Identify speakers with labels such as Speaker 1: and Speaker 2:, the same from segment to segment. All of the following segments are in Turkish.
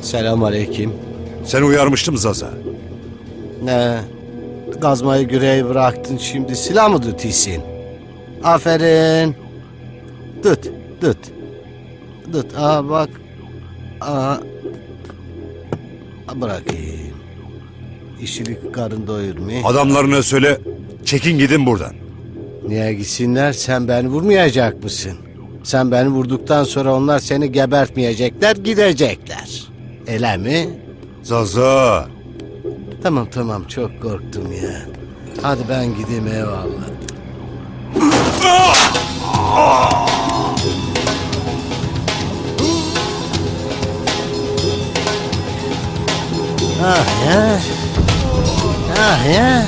Speaker 1: Selamünaleyküm.
Speaker 2: Seni uyarmıştım Zaza.
Speaker 1: Ne? Gazmayı güreği bıraktın, şimdi silah mı tutuyorsun? Aferin. Tut. Aha bak. Aha. Bırakayım. İşilik karın doyurmuyor.
Speaker 2: Adamlarına söyle, çekin gidin buradan.
Speaker 1: Niye gitsinler? Sen beni vurmayacak mısın? Sen beni vurduktan sonra onlar seni gebertmeyecekler, gidecekler. Öyle mi?
Speaker 2: Zaza.
Speaker 1: Tamam, çok korktum ya. Hadi ben gideyim, eyvallah. Ah ya.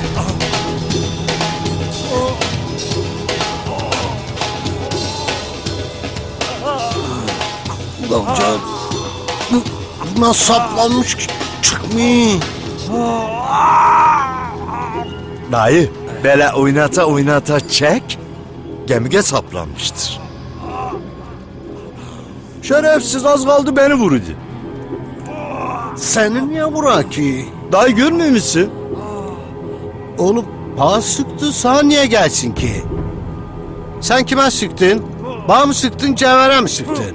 Speaker 1: Ulan bu nasıl saplanmış ki? Çıkmıyor.
Speaker 3: Dayı, böyle oynata çek, gemiye saplanmıştır. Şerefsiz az kaldı beni vurdu.
Speaker 1: Seni niye vuran ki?
Speaker 3: Dayı görmüyor musun?
Speaker 1: Oğlum bana sıktı, sana niye gelsin ki? Sen kime sıktın? Bana mı sıktın, Cevher'e mi sıktın?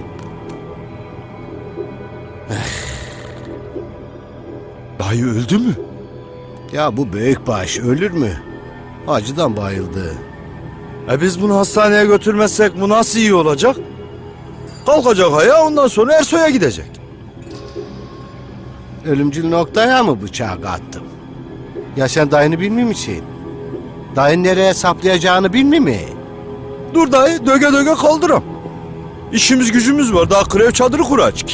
Speaker 3: Dayı öldü mü?
Speaker 1: Ya bu büyükbaş ölür mü? Acıdan bayıldı.
Speaker 3: Biz bunu hastaneye götürmezsek bu nasıl iyi olacak? Kalkacak ayağa, ondan sonra Ersoy'a gidecek.
Speaker 1: Ölümcül noktaya mı bıçağı attım? Ya sen dayını bilmiyor musun? Dayın nereye saplayacağını bilmiyor mi?
Speaker 3: Dur dayı, döge kaldıram. İşimiz gücümüz var, daha krev çadırı kuracak.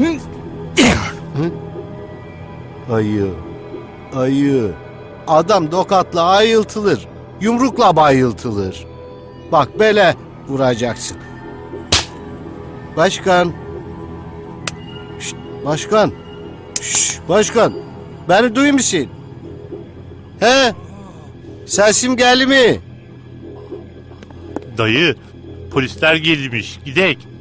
Speaker 1: Ayı. Adam dokatla ayıltılır. Yumrukla bayıltılır. Bak böyle vuracaksın. Başkan. Şşt, başkan. Başkan. Beni duyuyor musun? He? Sesim geldi mi?
Speaker 4: Dayı, polisler gelmiş. Gidek.